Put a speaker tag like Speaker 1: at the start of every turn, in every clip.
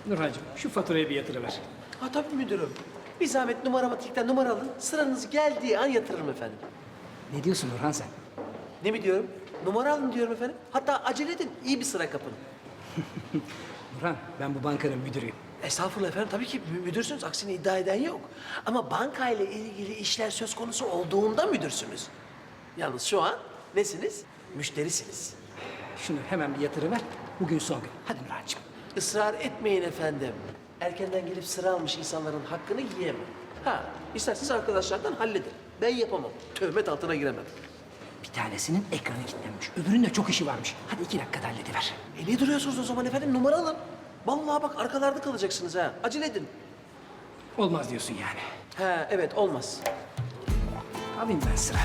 Speaker 1: Nurhancığım şu faturayı bir yatırıver.
Speaker 2: Ha tabii müdürüm. Bir zahmet numaramatikten numara alın. Sıranız geldiği an yatırırım efendim.
Speaker 1: Ne diyorsun Nurhan sen?
Speaker 2: Ne mi diyorum? Numara alın diyorum efendim. Hatta acele edin. İyi bir sıra kapın.
Speaker 1: Nurhan ben bu bankanın müdürüyüm.
Speaker 2: Estağfurullah efendim. Tabii ki müdürsünüz. Aksini iddia eden yok. Ama bankayla ilgili işler söz konusu olduğunda müdürsünüz. Yalnız şu an nesiniz? Müşterisiniz.
Speaker 1: Şunu hemen bir yatırıver. Bugün son gün. Hadi Nurhancığım.
Speaker 2: Israr etmeyin efendim. Erkenden gelip sıra almış insanların hakkını yiyemem. Ha, isterseniz arkadaşlardan halledin. Ben yapamam. Töhmet altına giremem.
Speaker 1: Bir tanesinin ekranı kilitlenmiş. Öbürünün de çok işi varmış. Hadi 2 dakikada hallediver.
Speaker 2: Niye duruyorsunuz o zaman efendim? Numara alın. Vallahi bak arkalarda kalacaksınız ha. Acele edin.
Speaker 1: Olmaz diyorsun yani.
Speaker 2: Ha evet olmaz.
Speaker 1: Alayım ben sıra.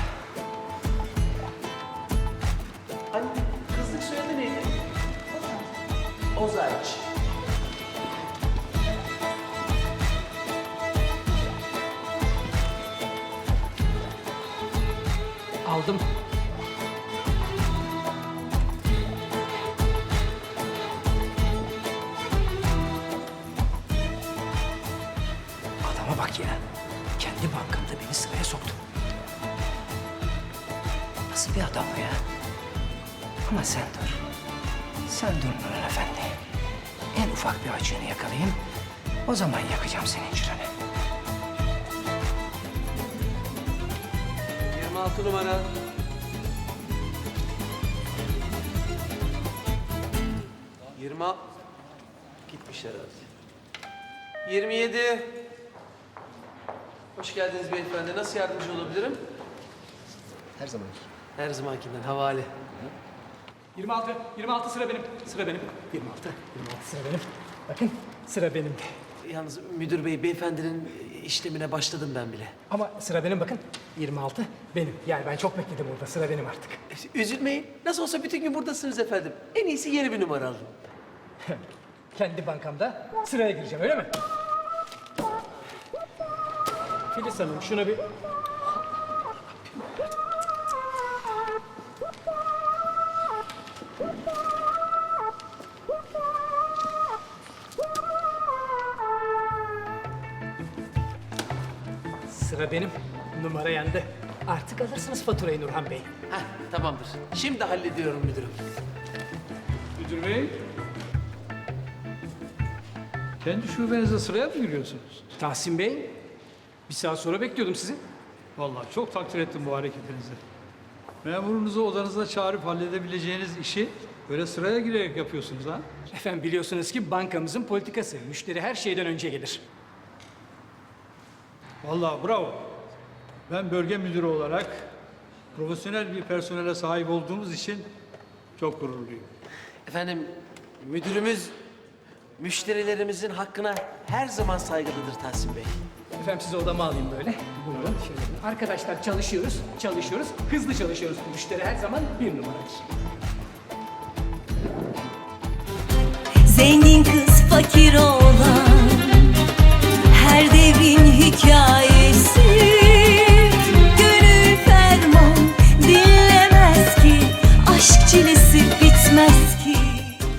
Speaker 2: Hani kızlık soyadı neydi? Ozaç.
Speaker 1: Aldım. Adama bak ya. Kendi bankamda beni sıraya soktu. Nasıl bir adam bu ya? Ama sen dur. Sen dur Nurhan Efendi. En ufak bir açığını yakalayayım. O zaman yakacağım senin çıranı.
Speaker 2: 26 numara. Gitmiş herhalde. 27. Hoş geldiniz beyefendi. Nasıl yardımcı olabilirim?
Speaker 1: Her zaman.
Speaker 2: Her zamankinden havale.
Speaker 1: 26 sıra benim. Sıra benim. 26 sıra benim. Bakın sıra benim.
Speaker 2: Yalnız müdür bey, beyefendinin işlemine başladım ben bile.
Speaker 1: Ama sıra benim bakın. 26 benim. Yani ben çok bekledim orada. Sıra benim artık.
Speaker 2: Üzülmeyin. Nasıl olsa bütün gün buradasınız efendim. En iyisi yeni bir numara alın.
Speaker 1: Kendi bankamda sıraya gireceğim öyle mi? Filiz Hanım şuna bir... Sıra benim. Numara yendi. Artık alırsınız faturayı Nurhan Bey.
Speaker 2: Heh, tamamdır. Şimdi hallediyorum müdürüm.
Speaker 3: Müdür bey, kendi şubenize sıraya mı giriyorsunuz?
Speaker 1: Tahsin Bey, bir saat sonra bekliyordum sizi.
Speaker 3: Vallahi çok takdir ettim bu hareketinizi. Memurunuzu odanıza çağırıp halledebileceğiniz işi böyle sıraya girerek yapıyorsunuz ha?
Speaker 1: Efendim biliyorsunuz ki bankamızın politikası. Müşteri her şeyden önce gelir.
Speaker 3: Vallahi bravo. Ben bölge müdürü olarak profesyonel bir personele sahip olduğumuz için çok gururluyum.
Speaker 2: Efendim, müdürümüz müşterilerimizin hakkına her zaman saygılıdır Tahsin Bey.
Speaker 1: Efendim sizi odama alayım böyle. Buyurun. Şöyle. Arkadaşlar çalışıyoruz, hızlı çalışıyoruz. Müşteri her zaman bir numaradır.
Speaker 4: Zengin kız